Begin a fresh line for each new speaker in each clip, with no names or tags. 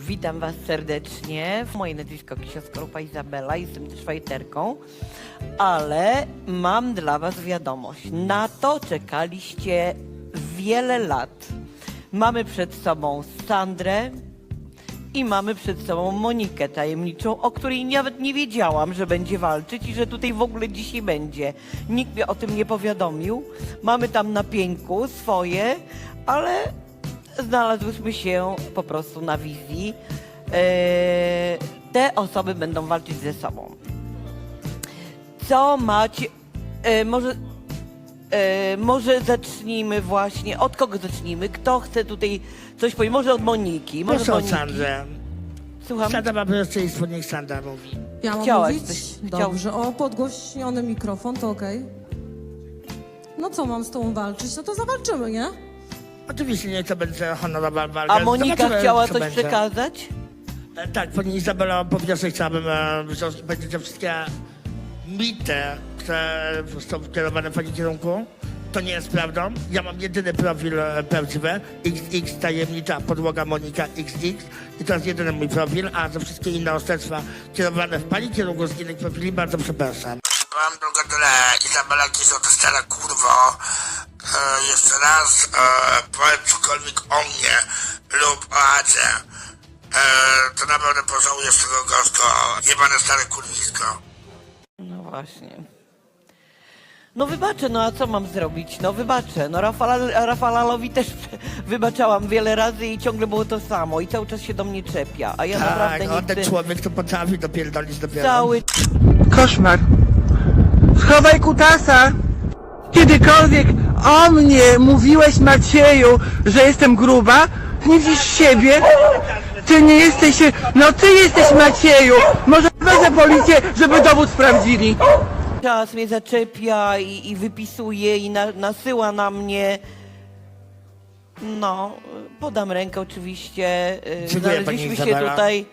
Witam Was serdecznie. Moje nazwisko Kisia Skorupa Izabela, jestem też fajterką, ale mam dla Was wiadomość. Na to czekaliście wiele lat. Mamy przed sobą Sandrę i mamy przed sobą Monikę tajemniczą, o której nawet nie wiedziałam, że będzie walczyć i że tutaj w ogóle dzisiaj będzie. Nikt mnie o tym nie powiadomił. Mamy tam na pieńku swoje, ale znalazłyśmy się po prostu na wizji. Te osoby będą walczyć ze sobą. Co macie... może zacznijmy właśnie... Od kogo zacznijmy? Kto chce tutaj coś powiedzieć? Może od Moniki. Może
Proszę o
Moniki.
Sandrę.
Słucham?
Sandra ma pierwszeństwo, niech Sandra mówi.
Ja mam
Chciałaś
mówić?
coś-
Dobrze, o podgłośniony mikrofon, to okej. No co mam z tą walczyć? No to zawalczymy, nie?
Oczywiście nie to będzie honorowa walka.
A Monika
Zobaczymy,
chciała
co
coś
będzie.
przekazać?
Tak, pani Izabela, po pierwsze chciałabym wziąć będzie te wszystkie mity, które są kierowane w pani kierunku. To nie jest prawdą. Ja mam jedyny profil prawdziwy. XX tajemnicza podłoga Monika XX. I to jest jedyny mój profil, a za wszystkie inne oszczerstwa kierowane w pani kierunku z innych profili bardzo przepraszam.
Mam tylko tyle. Izabela Kisio, to stara kurwo. Jeszcze raz powiedz cokolwiek o mnie lub o Adzie. To naprawdę pożałujesz tego gorzko. Jebane stare kurwisko.
No właśnie. No wybaczę, no a co mam zrobić? No wybaczę. No Rafalalowi też wybaczałam wiele razy i ciągle było to samo i cały czas się do mnie czepia, a ja naprawdę
Tak,
nie
on ten
chcę...
człowiek to potrafi dopierdolić dopiero.
Cały...
Koszmar. Schowaj kutasa. Kiedykolwiek o mnie mówiłeś, Macieju, że jestem gruba? Nie widzisz siebie? Ty nie jesteś... No ty jesteś, Macieju. Może wezmę policję, żeby dowód sprawdzili.
Czas mnie zaczepia i wypisuje i nasyła na mnie. No, podam rękę oczywiście.
Dziękuję, pani
Znaleźliśmy się
Izabela.
tutaj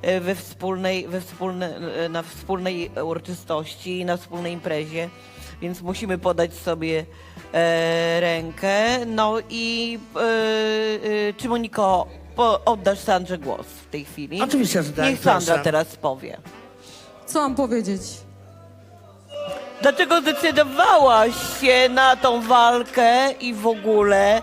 na wspólnej uroczystości, na wspólnej imprezie, więc musimy podać sobie rękę. No i czy Moniko, oddasz Sandrze głos w tej chwili?
Oczywiście, że tak,
Niech Sandra
proszę.
teraz powie.
Co mam powiedzieć?
Dlaczego zdecydowałaś się na tą walkę i w ogóle?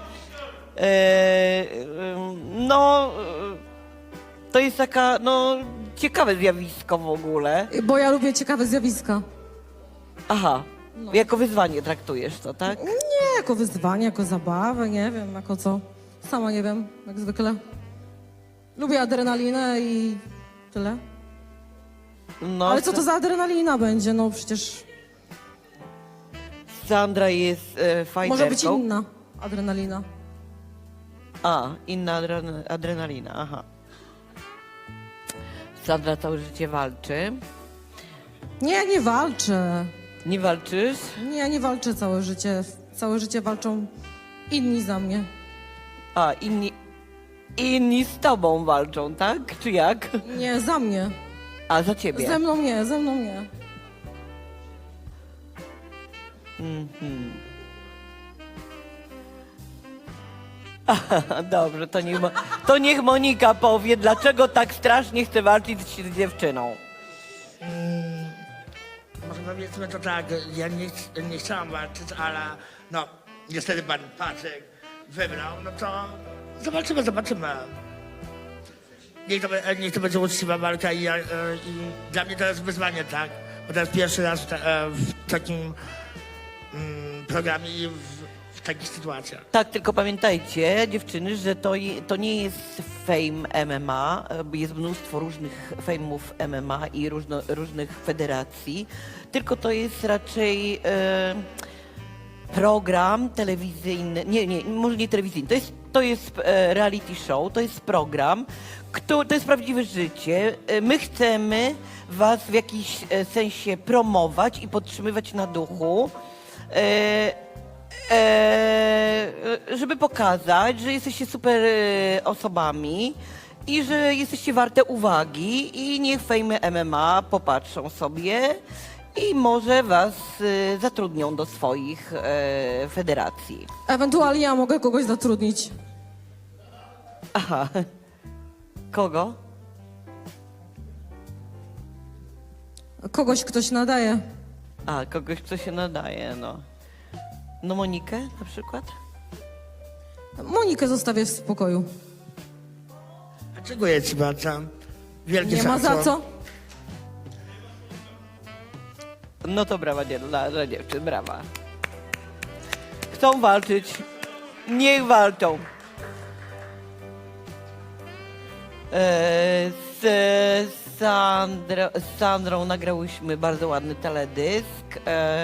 To jest taka, ciekawe zjawisko w ogóle.
Bo ja lubię ciekawe zjawiska.
Aha, jako wyzwanie traktujesz to, tak?
Nie jako wyzwanie, jako zabawę, nie wiem, jako co. Sama nie wiem, jak zwykle. Lubię adrenalinę i tyle.
No,
Ale co to za adrenalina będzie? No przecież
Sandra jest fajterką.
może być inna adrenalina.
A, inna adrenalina, aha. Sandra całe życie walczy.
Nie, nie walczę.
Nie walczysz?
Nie, nie walczę całe życie. Całe życie walczą inni za mnie.
A, inni z tobą walczą, tak? Czy jak?
Nie, za mnie.
A, za ciebie.
Ze mną nie, ze mną nie.
Dobrze, to niech Monika powie, dlaczego tak strasznie chce walczyć z dziewczyną.
Może powiedzmy to tak, ja nie chciałam walczyć, ale no niestety pan Patryk wybrał, no to zobaczymy. Niech to będzie uczciwa walka i dla mnie to jest wyzwanie, tak? Bo to jest pierwszy raz w takim programie i w takich sytuacjach.
Tak, tylko pamiętajcie, dziewczyny, że to nie jest fame MMA, jest mnóstwo różnych fame'ów MMA i różnych federacji, tylko to jest raczej program telewizyjny, może nie telewizyjny, to jest reality show, to jest program, to jest prawdziwe życie. My chcemy was w jakiś sensie promować i podtrzymywać na duchu. Żeby pokazać, że jesteście super osobami i że jesteście warte uwagi i niech Fame MMA popatrzą sobie i może was zatrudnią do swoich federacji.
Ewentualnie ja mogę kogoś zatrudnić.
Aha. Kogo?
Kogoś ktoś nadaje.
A, kogoś, kto się nadaje, no. No Monikę na przykład?
Monikę zostawię w spokoju.
Dziękuję ci bardzo. Wielkie
Nie ma za
szacun.
co.
No to brawa dla dziewczyn, brawa. Chcą walczyć, niech walczą. Z Sandrą nagrałyśmy bardzo ładny teledysk.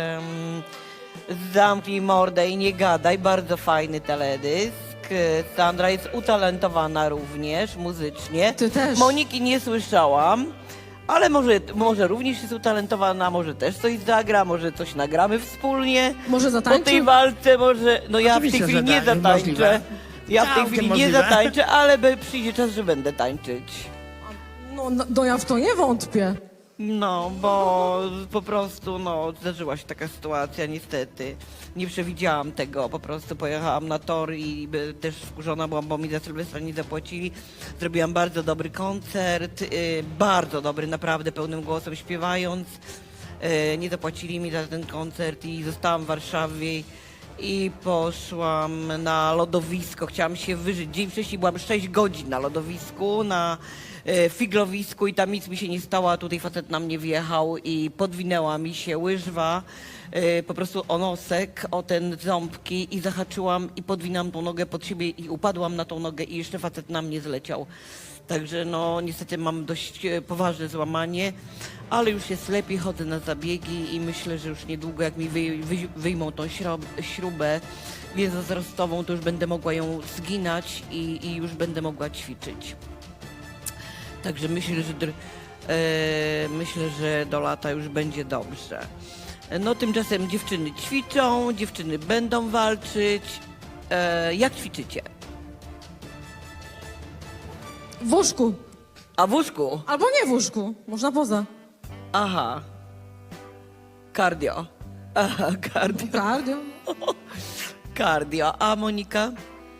Zamknij mordę i nie gadaj, bardzo fajny teledysk. Sandra jest utalentowana również muzycznie.
Ty też.
Moniki nie słyszałam, ale może również jest utalentowana, może też coś zagra, może coś nagramy wspólnie.
Może
Po
zatańczy?
tej walce może, no ja w tej
Oczywiście,
chwili
że
nie
tak,
zatańczę.
możliwe.
Ja w tej
Całkiem
chwili nie
możliwe.
zatańczę, ale przyjdzie czas, że będę tańczyć.
No ja w to nie wątpię.
No, bo po prostu, no, zdarzyła się taka sytuacja, niestety. Nie przewidziałam tego, po prostu pojechałam na tor i też wkurzona byłam, bo mi za Sylwestra nie zapłacili. Zrobiłam bardzo dobry koncert, bardzo dobry, naprawdę, pełnym głosem śpiewając. Nie zapłacili mi za ten koncert i zostałam w Warszawie i poszłam na lodowisko, chciałam się wyżyć. Dzień wcześniej byłam 6 godzin na lodowisku, na figlowisku i tam nic mi się nie stało, a tutaj facet na mnie wjechał i podwinęła mi się łyżwa po prostu o nosek, o ten ząbki i zahaczyłam i podwinęłam tą nogę pod siebie i upadłam na tą nogę i jeszcze facet na mnie zleciał. Także no niestety mam dość poważne złamanie, ale już jest lepiej, chodzę na zabiegi i myślę, że już niedługo jak mi wyjmą tą śrubę więzozrostową, to już będę mogła ją zginać i już będę mogła ćwiczyć. Także myślę, że do lata już będzie dobrze. No tymczasem dziewczyny ćwiczą, dziewczyny będą walczyć. Jak ćwiczycie?
W łóżku.
A w łóżku?
Albo nie w łóżku. Można poza.
Aha. Cardio. Aha, cardio.
Cardio.
Cardio. A Monika?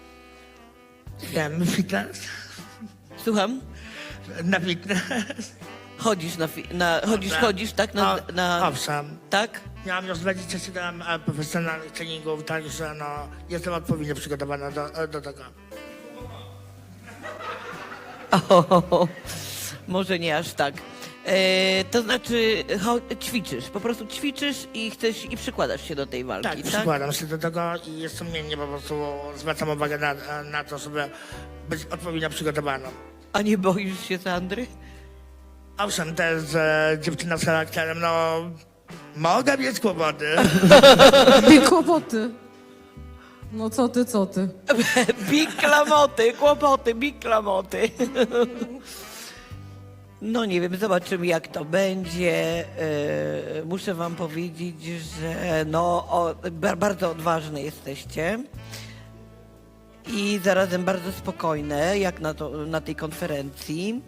Wiem, fitness.
Słucham?
Na fitness.
Chodzisz chodzisz, tak?
Owszem.
Tak?
Miałam już 27 profesjonalnych treningów, także no, jestem odpowiednio przygotowana do tego.
O, może nie aż tak. To znaczy ćwiczysz, po prostu ćwiczysz i chcesz i przykładasz się do tej walki,
Tak,
tak?
przykładam się do tego i jest sumiennie po prostu zwracam uwagę na to, żeby być odpowiednio przygotowaną.
A nie boisz się Sandry?
Owszem, też dziewczyna z charakterem, no mogę mieć kłopoty.
Big kłopoty. No co ty?
Big klamoty, kłopoty, big klamoty. No nie wiem, zobaczymy jak to będzie. Muszę wam powiedzieć, że bardzo odważne jesteście i zarazem bardzo spokojne, jak na tej konferencji.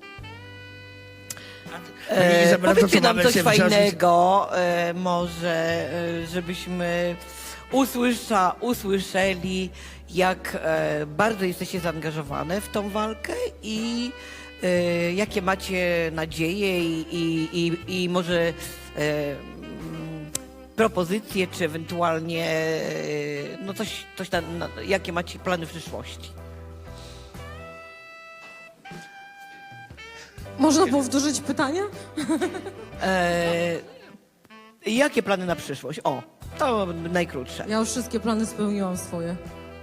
Izabela, to
Powiedzcie
co
nam
mamy
coś
się wziąć?
fajnego, może żebyśmy usłyszeli, jak bardzo jesteście zaangażowane w tą walkę i jakie macie nadzieje i może propozycje, czy ewentualnie no coś tam, jakie macie plany w przyszłości.
Można powtórzyć pytanie?
Jakie plany na przyszłość? O, to najkrótsze.
Ja już wszystkie plany spełniłam swoje.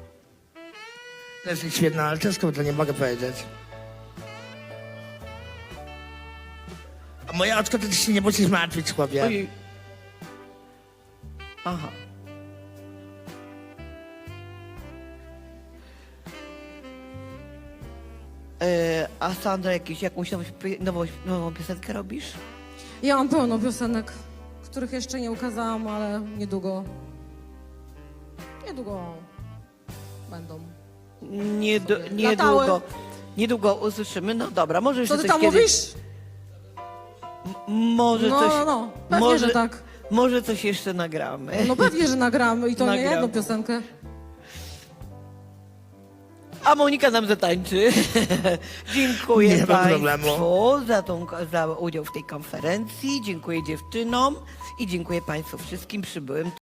To jest świetna, ale ciężko to nie mogę powiedzieć. A moje oczko to ty się nie musisz martwić, chłopie.
Ojej. Aha. A Sandra, jakąś nową piosenkę robisz?
Ja mam pełno piosenek, których jeszcze nie ukazałam, ale niedługo będą.
Niedługo. Niedługo usłyszymy. No dobra, może jeszcze
Co ty
coś
tam
kiedyś...
mówisz?
Może coś...
No, pewnie, że tak.
Może coś jeszcze nagramy.
No pewnie, że nagramy i to nie
Nagram.
jedną piosenkę.
A Monika nam zatańczy. Dziękuję
Nie ma problemu.
Państwu za udział w tej konferencji. Dziękuję dziewczynom i dziękuję Państwu wszystkim przybyłym.